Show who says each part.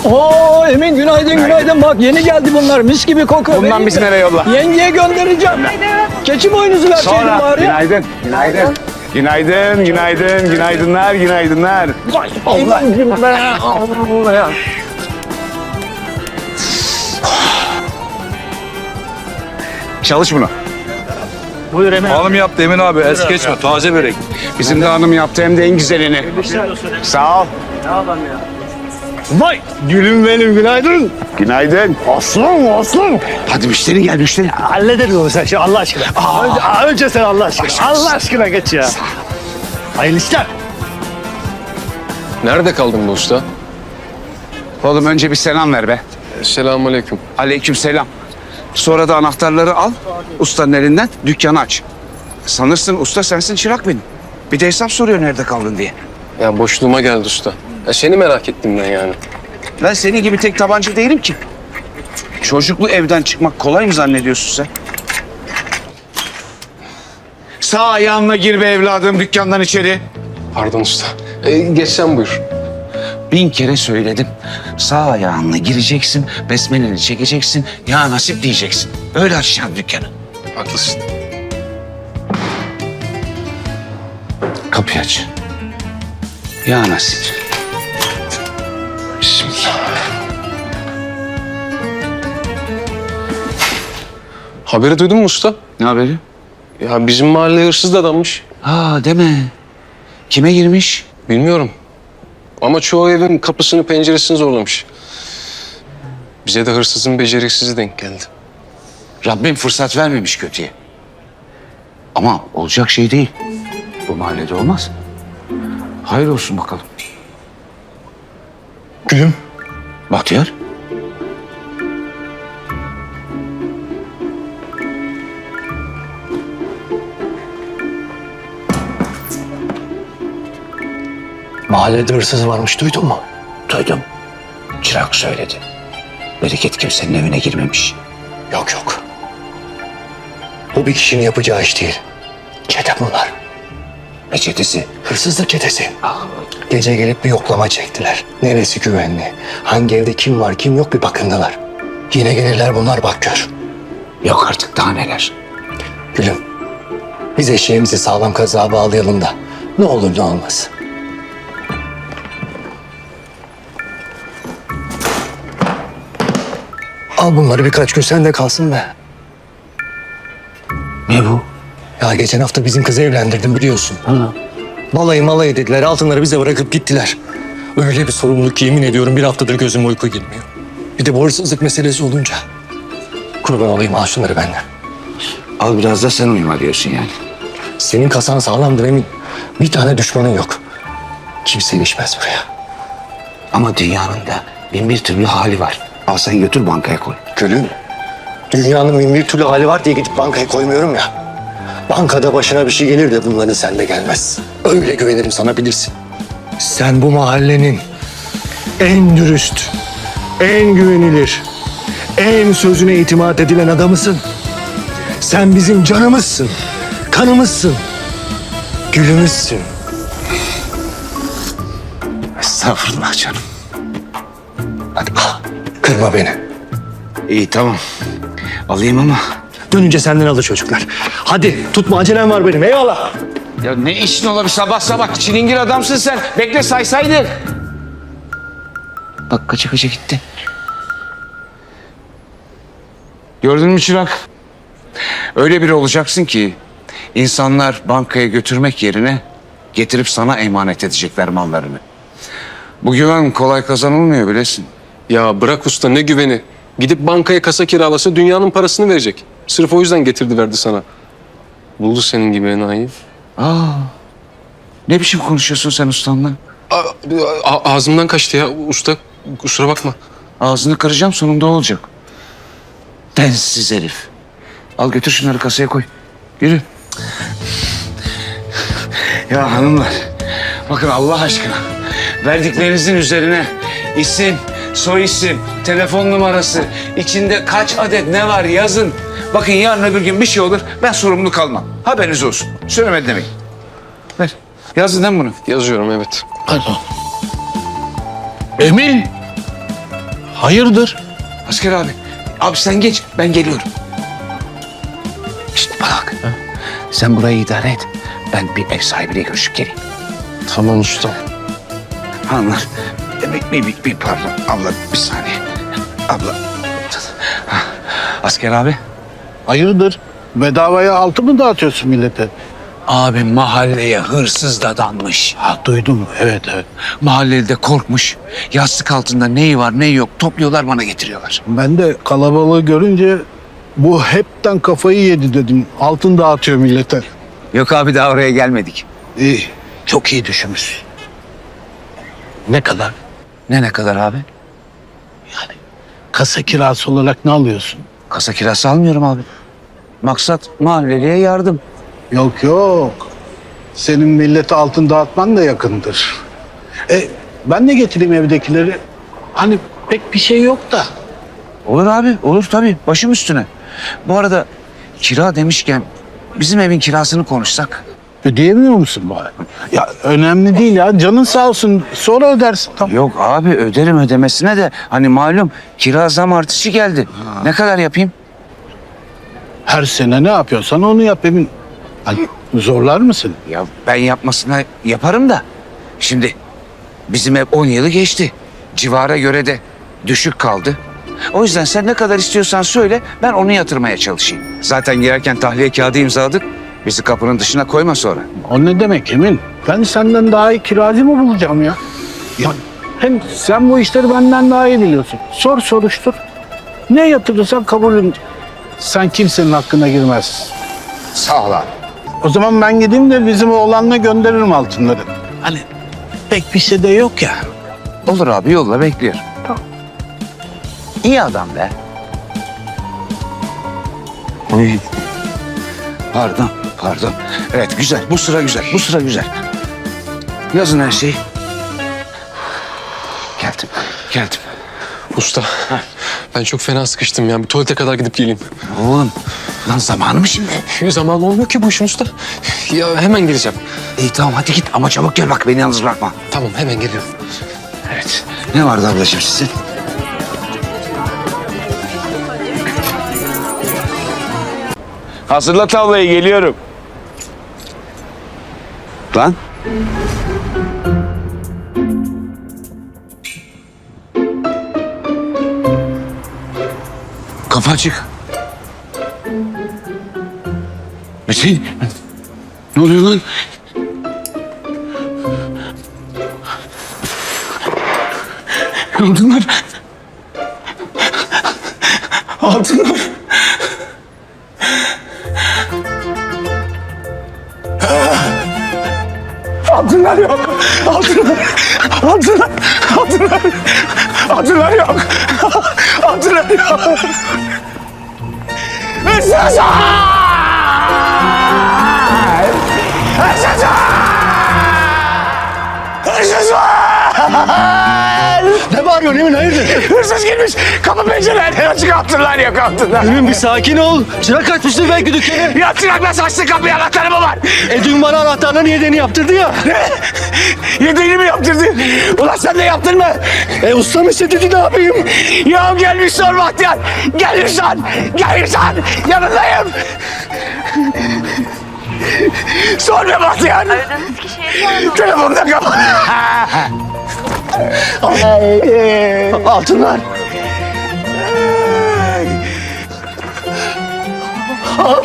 Speaker 1: Oo Emin günaydın günaydın. Bak yeni geldi bunlar. Mis gibi kokuyor.
Speaker 2: Bundan
Speaker 1: Benim
Speaker 2: biz
Speaker 1: de.
Speaker 2: nereye yolla?
Speaker 1: Yengeye göndereceğim. Keçi boynuzu verseydin
Speaker 2: Sonra.
Speaker 1: bari.
Speaker 2: Günaydın. Günaydın. Günaydın, günaydın, günaydınlar, günaydınlar.
Speaker 1: Allah Allah ya.
Speaker 2: Çalış bunu.
Speaker 1: Buyur Emin.
Speaker 3: Hanım yaptı Emin abi. Es geçme. Taze börek.
Speaker 2: Bizim de hanım yaptı hem de en güzelini. Sağ ol.
Speaker 1: Vay gülüm benim günaydın.
Speaker 2: Günaydın.
Speaker 1: Aslan aslan.
Speaker 2: Hadi müşteri gel müşteri.
Speaker 1: Hallederiz onu sen Allah aşkına. Önce sen Allah aşkına. Allah aşkına geç ya. Hayırlı işler.
Speaker 4: Nerede kaldın bu usta?
Speaker 2: Oğlum önce bir selam ver be.
Speaker 4: Selamünaleyküm.
Speaker 2: Aleyküm selam. Sonra da anahtarları al ustanın elinden dükkanı aç. Sanırsın usta sensin çırak benim. Bir de hesap soruyor nerede kaldın diye.
Speaker 4: Ya boşluğuma geldi usta. Ya seni merak ettim ben yani.
Speaker 2: Ben senin gibi tek tabanca değilim ki. Çocuklu evden çıkmak kolay mı zannediyorsun sen? Sağ ayağınla gir be evladım dükkandan içeri.
Speaker 4: Pardon usta. Geç sen buyur.
Speaker 2: 1000 kere söyledim. Sağ ayağınla gireceksin, besmeleni çekeceksin, ya nasip diyeceksin. Öyle açacaksın dükkanı.
Speaker 4: Haklısın.
Speaker 2: Kapıyı aç. Ya nasip.
Speaker 4: Bismillah. Haberi duydun mu usta?
Speaker 2: Ne haberi?
Speaker 4: Ya bizim mahalleye hırsız da adammış.
Speaker 2: Ha deme. Kime girmiş?
Speaker 4: Bilmiyorum. Ama çoğu evin kapısını penceresini zorlamış. Bize de hırsızın beceriksizi denk geldi.
Speaker 2: Rabbim fırsat vermemiş kötüye. Ama olacak şey değil. Bu mahallede olmaz. Hayır olsun bakalım.
Speaker 1: Gülüm.
Speaker 2: Bahtiyar.
Speaker 1: Mahallede hırsız varmış duydun mu?
Speaker 2: Duydum. Çırak söyledi. Bereket kimsenin evine girmemiş.
Speaker 5: Yok yok. Bu bir kişinin yapacağı iş değil. Çete bunlar.
Speaker 2: Ne çetesi?
Speaker 5: Hırsızlık çetesi. Gece gelip bir yoklama çektiler. Neresi güvenli? Hangi evde kim var kim yok bir bakındılar. Yine gelirler bunlar bak gör.
Speaker 2: Yok artık daha neler.
Speaker 5: Gülüm. Biz eşeğimizi sağlam kazığa bağlayalım da ne olur ne olmaz. Al bunları birkaç gün sende kalsın be.
Speaker 2: Ne bu?
Speaker 5: Ya geçen hafta bizim kızı evlendirdim biliyorsun. Balayı dediler, altınları bize bırakıp gittiler. Öyle bir sorumluluk ki yemin ediyorum bir haftadır gözüme uyku girmiyor. Bir de bu hırsızlık meselesi olunca. Kurban olayım al şunları benden.
Speaker 2: Al biraz da sen uyuma diyorsun yani.
Speaker 5: Senin kasan sağlamdır emin. Bir tane düşmanın yok. Kimse ilişmez buraya.
Speaker 2: Ama dünyanın da bin bir türlü hali var. Al sen götür bankaya koy.
Speaker 5: Gülüm, dünyanın bin bir türlü hali var diye gidip bankaya koymuyorum ya. Bankada başına bir şey gelir de bunların sende gelmez. Öyle güvenirim sana bilirsin. Sen bu mahallenin en dürüst, en güvenilir, en sözüne itimat edilen adamısın. Sen bizim canımızsın, kanımızsın, gülümüzsün.
Speaker 2: Estağfurullah canım.
Speaker 5: Hadi al, kırma beni.
Speaker 2: İyi tamam. Alayım ama.
Speaker 5: Dönünce senden alır çocuklar. Hadi tutma acelem var benim eyvallah.
Speaker 2: Ya ne işin olabilir sabah sabah? Çilingir adamsın sen. Bekle saysaydı. Bak kaça kaça gitti. Gördün mü çırak? Öyle biri olacaksın ki insanlar bankaya götürmek yerine getirip sana emanet edecekler mallarını. Bu güven kolay kazanılmıyor bilesin.
Speaker 4: Ya bırak usta ne güveni. Gidip bankaya kasa kiralasa dünyanın parasını verecek. Sırf o yüzden getirdi verdi sana. Buldu senin gibi enayi.
Speaker 2: Ne biçim konuşuyorsun sen ustanla?
Speaker 4: Ağzımdan kaçtı ya usta. Kusura bakma.
Speaker 2: Ağzını kıracağım sonunda olacak. Densiz herif. Al götür şunları kasaya koy. Yürü. Ya hanımlar. Bakın Allah aşkına. Verdiklerinizin üzerine isim, soy isim, telefon numarası, içinde kaç adet ne var yazın. Bakın yarın öbür gün bir şey olur ben sorumlu kalmam. Haberiniz olsun. Söylemedi demek. Ver. Yazdın değil mi bunu?
Speaker 4: Yazıyorum evet.
Speaker 1: Emin. Hayırdır?
Speaker 2: Asker abi. Abi sen geç, ben geliyorum. Şişt bak. Sen burayı idare et. Ben bir ev sahibiyle görüşüp geleyim.
Speaker 1: Tamam usta.
Speaker 2: Hanımlar, bir pardon. Abla bir saniye. Abla. Ha, Asker abi.
Speaker 1: Hayırdır? Bedavaya altı mı dağıtıyorsun millete?
Speaker 2: Abi mahalleye hırsız dadanmış.
Speaker 1: Ha duydum. Evet evet.
Speaker 2: Mahalleli de korkmuş. Yastık altında neyi var neyi yok topluyorlar bana getiriyorlar.
Speaker 6: Ben de kalabalığı görünce bu hepten kafayı yedi dedim. Altın dağıtıyor millete.
Speaker 2: Yok abi daha oraya gelmedik.
Speaker 6: İyi. Çok iyi düşünmüş. Ne kadar?
Speaker 2: Ne kadar abi?
Speaker 6: Kasa kirası olarak ne alıyorsun?
Speaker 2: Kasa kirası almıyorum abi. Maksat mahalleliye yardım.
Speaker 6: Yok yok. Senin millete altın dağıtman da yakındır. Ben de getireyim evdekileri. Hani pek bir şey yok da.
Speaker 2: Olur abi olur tabii başım üstüne. Bu arada kira demişken bizim evin kirasını konuşsak.
Speaker 6: Ödeyemiyor musun bari? Ya önemli değil ya. Canın sağ olsun. Sonra ödersin. Tamam.
Speaker 2: Yok abi öderim ödemesine de hani malum kira zam artışı geldi. Ne kadar yapayım?
Speaker 6: Her sene ne yapıyorsan onu yap Emin. Hani zorlar mısın?
Speaker 2: Ya ben yapmasına yaparım da. Şimdi bizim ev 10 yılı geçti. Civara göre de düşük kaldı. O yüzden sen ne kadar istiyorsan söyle ben onu yatırmaya çalışayım. Zaten girerken tahliye kağıdı imzaladık. Bizi kapının dışına koyma sonra.
Speaker 6: O ne demek Emin? Ben senden daha iyi kiracı mı bulacağım ya? Ya hem sen bu işleri benden daha iyi biliyorsun. Sor soruştur. Ne yatırırsan kabulüm. Sen kimsenin hakkına girmezsin.
Speaker 2: Sağ ol abi.
Speaker 6: O zaman ben gideyim de bizim oğlanla gönderirim altınları. Hani pek bir şey de yok ya.
Speaker 2: Olur abi yolla bekliyorum.
Speaker 6: Tamam.
Speaker 2: İyi adam be. Oy. Pardon. Evet güzel. Bu sıra güzel. Yazın her şeyi. Geldim.
Speaker 4: Usta ben çok fena sıkıştım ya. Bir tuvalete kadar gidip geleyim.
Speaker 2: Oğlum lan zamanı mı şimdi?
Speaker 4: Zaman olmuyor ki bu işin usta. Ya hemen geleceğim.
Speaker 2: İyi tamam hadi git ama çabuk gel bak beni yalnız bırakma.
Speaker 4: Tamam hemen geliyorum.
Speaker 2: Evet. Ne vardı ablacığım sizin? Hazırla tavlayı geliyorum. Lan. Kafa açık. Metin. Ne oluyor lan? Altınlar. Altınlar. Altınlar yok. Altınlar yok. Altınlar yok. Hırsız! Hırsız var!
Speaker 1: Ne bağırıyorsun Emin hayırdır?
Speaker 2: Hırsız girmiş. Kapı pencerelerden açık altınlar yok altınlar.
Speaker 1: Emin bir sakin ol. Çırak kaçmıştır belki dükkanı.
Speaker 2: Ya çırakla saçlı kapıya anahtarı mı var?
Speaker 1: Dün bana anahtarların yedeni yaptırdı ya.
Speaker 2: Yedeğini mi yaptırdı? Ulan sen de yaptın mı?
Speaker 1: Usta mı istedi ne yapayım?
Speaker 2: Ya gelmiş sor Bahtiyar. Gelmiş lan. Yanındayım. Sor be Bahtiyar.
Speaker 7: Aradığınız kişiye şu anda
Speaker 2: Telefonu da kapat.
Speaker 1: Altınlar.